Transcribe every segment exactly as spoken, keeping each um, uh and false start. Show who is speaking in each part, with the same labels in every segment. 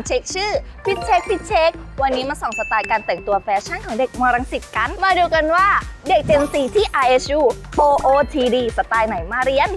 Speaker 1: เช็คชื่อพิเช็คพิเช็ควันนี้มาส่องสไตล์การแต่งตัวแฟชั่นของเด็กมรังสิตกันมาดูกันว่าเด็ก Gen ซีที่ อาร์ เอส ยู โอ โอ ที ดี สไตล์ไหนมาเรียน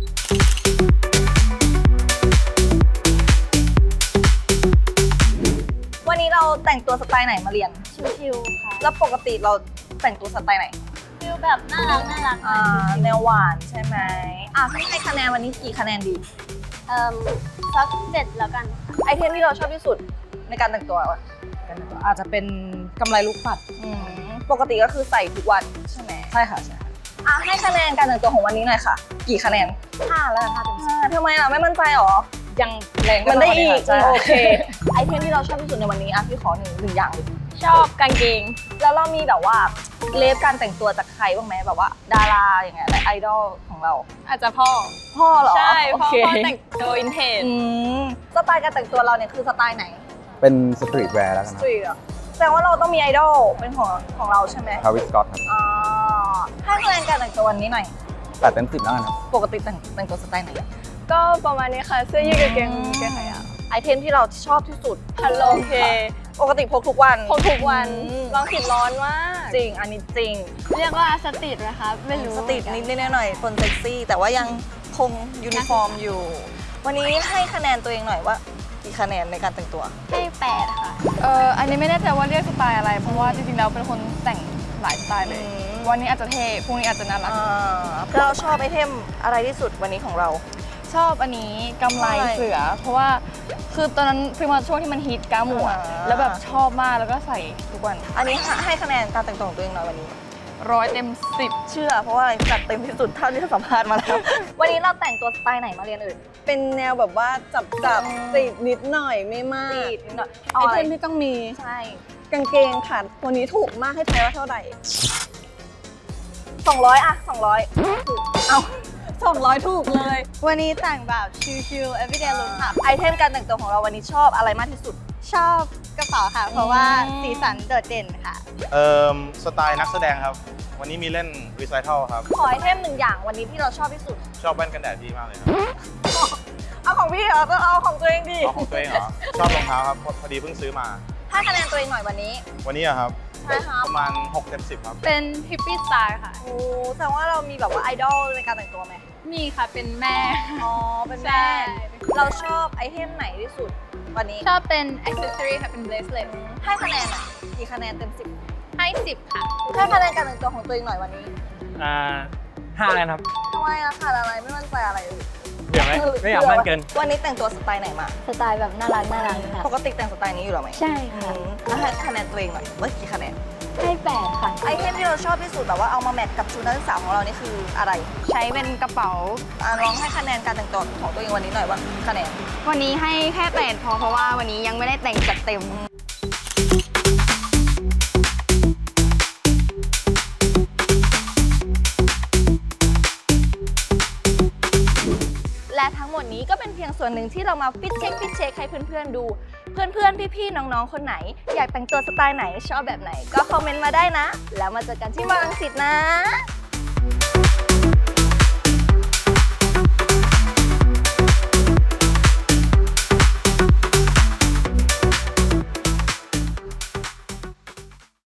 Speaker 1: วันนี้เราแต่งตัวสไตล์ไหนมาเรียน
Speaker 2: ชิวๆค่ะ
Speaker 1: แล้วปกติเราแต่งตัวสไตล์ไหน
Speaker 2: ฟิลแบบน่ารักน่ารัก
Speaker 1: อ่าแนวหวานใช่ไหมอ่ะพี่ให้คะแนนวันนี้กี่คะแนนดี
Speaker 2: เอ่อสักเจ็ดแล้วกัน
Speaker 1: ไอเทมที่เราชอบที่สุดในการแต่งตัววะ
Speaker 3: อาจจะเป็นกำไรลูกปัด
Speaker 1: อืมปกติก็คือใส่ทุกวันใช่ไหม
Speaker 3: ใช่ค่ะใช่ค่ะ
Speaker 1: อ่ะให้คะแนนการแต่งตัวของวันนี้หน่อยค่ะ กี่คะแนน
Speaker 2: ห้าแล้วกันห้าเต็มสิบ
Speaker 1: อ่าทำไมล่ะไม่มั่นใจหรอ
Speaker 3: ยังแรง
Speaker 1: มันได้อีก
Speaker 3: ใช่
Speaker 1: โอเคไอเทมที่เราชอบที่สุดในวันนี้อ่ะพี่ขอหนึ่งหนึ่งอย่างเลย
Speaker 2: ชอบกางเกง
Speaker 1: แล้วเรามีแบบว่าเลฟการแต่งตัวจากใครบ้างไหมแบบว่าดาราอย่างเงี้ยไอดอลของเรา
Speaker 2: อาจจะพ่อ
Speaker 1: พ่อเหรอ
Speaker 2: ใช่
Speaker 1: โอ
Speaker 2: พ่อ
Speaker 1: เค
Speaker 2: พ่อแต่งตัวอินเทจ
Speaker 1: อืมสไตล์การแต่งตัวเราเนี่ยคือสไตล์ไหน
Speaker 4: เป็นสตรีทแวร์แล้วกัน
Speaker 1: ส
Speaker 4: นะ
Speaker 1: ตรีทอ่ะแสดงว่าเราต้องมีไอดอลเป็นของของเราใช่ไหม
Speaker 4: ทาวิสสก็อตครับ
Speaker 1: อ่าให้คะแนนการแต่งตัววันนี้หน่อย
Speaker 4: แปดเต็มสิบแล้วกันครับ
Speaker 1: ปกติแต่งแต่งตัวสไตล์ไหน
Speaker 2: ก็ประมาณนี้ค่ะเสื้อยืดกางเกงกางเกงขายาว
Speaker 1: ไอเทมที่เราชอบที่สุด
Speaker 2: ฮัลโหลโอเค
Speaker 1: ปกติพกทุกวัน
Speaker 2: พกทุกวัน
Speaker 1: อืม
Speaker 2: ลองติดร้อนมาก
Speaker 1: จริงอันนี้จริง
Speaker 2: เรียกว่าสตรีทนะคะไม่รู้
Speaker 1: สตรีทนิดๆหน่อยๆคนเซ็กซี่ แต่ว่ายังคงยูนิฟอร์มอยู่ วันนี้ให้คะแนนตัวเองหน่อยว่ากี่คะแนนในการแต่งตัว
Speaker 2: ให้แปดค่ะ
Speaker 5: เอออันนี้ไม่แน่ใจว่าเรียกสไตล์อะไร เพราะว่าจริงๆแล้วเป็นคนแต่งหลายสไตล์เลย
Speaker 1: อืม
Speaker 5: วันนี้อาจจะเท่พรุ่งนี้อาจจะน่ารัก
Speaker 1: อ่าแล้วเราชอบไอเทมอะไรที่สุดวันนี้ของเรา
Speaker 5: ชอบอันนี้กำไร
Speaker 1: กำไร
Speaker 5: เสือ เพราะว่าคือตอนนั้นซื้อมาช่วงที่มันฮิตก้าหมวด
Speaker 1: อ่า
Speaker 5: แล้วแบบชอบมากแล้วก็ใส่ทุกวัน
Speaker 1: อันนี้ให้คะแนนการแต่งตัวของตัวเองหน่อยวันนี้
Speaker 5: ร้อยเต็มสิบ
Speaker 1: เชื่อเพราะว่าอะไรจัดเต็มที่สุดเท่าที่สัมภาษณ์มาแล้ว วันนี้เราแต่งตัวสไตล์ไหนมาเรียนเอ่ย
Speaker 3: เป็นแนวแบบว่าจับจับ
Speaker 1: อืม
Speaker 3: สตรีทนิดหน่อยไม่มาก
Speaker 1: จีดนิดหน่อย
Speaker 3: ไอ
Speaker 1: เอาอะ
Speaker 3: เท
Speaker 1: ไร
Speaker 3: มที่ต้องมี
Speaker 1: ใช่
Speaker 3: กางเกงค่ะตัวนี้ถูกมากให้ทายว่าเท่าไหร่
Speaker 1: สองร้อยอะสองร้อย
Speaker 3: สองร้อยถูกเลย
Speaker 2: วันนี้แต่งแบบชิลๆ everyday look ค่ะ
Speaker 1: ไอเทมการแต่งตัวของเราวันนี้ชอบอะไรมากที่สุด
Speaker 2: ชอบกระเป๋าค่ะ เพราะว่า
Speaker 1: อืม
Speaker 2: สีสันโดดเด่นค่ะ
Speaker 6: เอ่อสไตล์นักแสดงครับ วันนี้มีเล่นรีไซเคิลครับ
Speaker 1: ขอไอเทมหนึ่งอย่างวันนี้ที่เราชอบที่สุด
Speaker 6: ชอบแว่นกันแดดพี่มากเลยครับ
Speaker 1: เอาของพี่เหรอก็เอาของตัวเองดิ
Speaker 6: เอาของตัวเองเหรอ ชอบรองเท้าครับพอพอดีเพิ่งซื้อมา
Speaker 1: ให้คะแนนตัวเองหน่อยวันนี้
Speaker 6: วันนี้อะครับ
Speaker 1: ใช่ครับ
Speaker 6: ประมาณหกเต็มสิบครับ
Speaker 2: เป็นฮิปปี้สไตล์ค่ะ
Speaker 1: โอ้แสดงว่าเรามีแบบว่าไอดอลในการแต่งตัวไหม
Speaker 2: มีค่ะเป็นแม่
Speaker 1: อ๋อ เป็นแม่
Speaker 2: ใช่
Speaker 1: เราชอบไอเทมไหนที่สุดวันนี้
Speaker 2: ชอบเป็น accessory ค่ะ เป็น bracelet
Speaker 1: ให้คะแนนหน่อยกี่คะแนนเต็มสิบ
Speaker 2: ให้สิบค่ะ
Speaker 1: ให้คะแนนการแต่งตัวของตัวเองหน่อยวันนี้
Speaker 7: อ่าห้าแล้วครับ
Speaker 1: ทำไมอะขาดอะไรไม่มั่นใจอะไรเลย
Speaker 7: เดี๋ยวไหมไม่อยากมั่นเกิน
Speaker 1: วันนี้แต่งตัวสไตล์ไหนมา
Speaker 2: สไตล์แบบน่ารักน่ารักค่ะ
Speaker 1: ปกติแต่งสไตล์นี้อยู่หรอไหม
Speaker 2: ใช่
Speaker 1: อื
Speaker 2: ค่ะ
Speaker 1: มแล้วให้คะแนนตัวเองหน่อยว่ากี่คะแนน
Speaker 2: ให้แปดค่ะ
Speaker 1: ไอเทมที่เราชอบที่สุดแบบว่าเอามาแมทกับชุดนักศึกษาของเรานี่คืออะไร
Speaker 5: ใช้เป็นกระเป๋า
Speaker 1: อ่ะลองให้คะแนนการแต่งตัวของตัวเองวันนี้หน่อยว่าคะแนน
Speaker 5: วันนี้ให้แค่แปดพอเพราะว่าวันนี้ยังไม่ได้แต่งจัดเต็ม
Speaker 1: และทั้งหมดนี้ก็เป็นเพียงส่วนหนึ่งที่เรามาฟิตเช็คฟิตเช็คให้เพื่อนๆดู เพื่อนๆ พี่ๆ น้องๆ คนไหน อยากแต่งตัวสไตล์ไหนชอบแบบไหน ก็คอมเมนต์มาได้นะ แล้วมาเจอกันที่มอลังสิตนะ